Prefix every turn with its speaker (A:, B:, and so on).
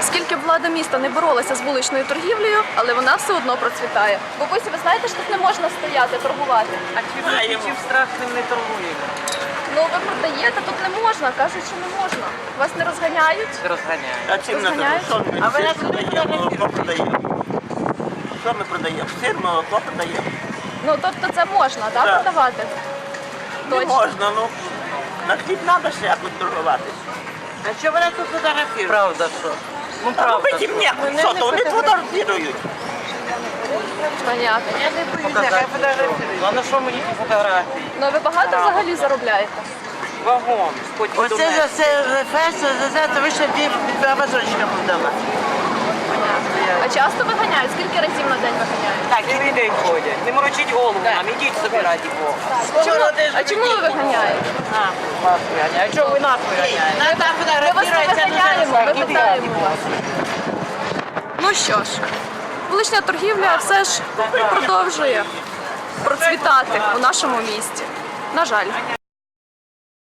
A: Скільки б влада міста не боролася з вуличною торгівлею, але вона все одно процвітає. Бабусі, ви знаєте, що тут не можна стояти, торгувати?
B: А чи в страшним не торгуємо?
A: Ну, ви продаєте, тут не можна, кажуть, що не можна. Вас не розганяють?
B: Розганяємо.
C: А чим не
A: Розганяють?
C: що ми
B: А ви
C: сир
B: як
C: продаємо, молоко продаємо? Що ми продаємо? Сир, молоко продаємо.
A: Ну, тобто це можна, так,
C: Так.
A: продавати?
C: Не
A: Точно.
C: можна, ну на хліб треба ще якось торгувати.
B: А що вони тут фотографують? Правда, що? Ну,
C: А
B: правда.
C: робити їм ніяко, що то вони фотографують.
A: Понятно.
B: Я не боюся, хай фотографують. А на що мені ті фотографії?
A: Ну, ви багато взагалі заробляєте?
B: Вагон, потім до
D: Оце
B: мене.
D: за це фест, за це вийшла два вазончика продала.
A: А часто виганяють? Скільки разів на день виганяють?
B: Так, цілий день ходять. Не морочіть голову нам, ідіть собі раді Бога.
A: А чому ви виганяєте?
B: Вас виганяють. А чого ви нас виганяєте?
A: Ми вас не виганяємо, ми питаємо вас. Ну що ж, вулична торгівля все ж продовжує процвітати у нашому місті. На жаль.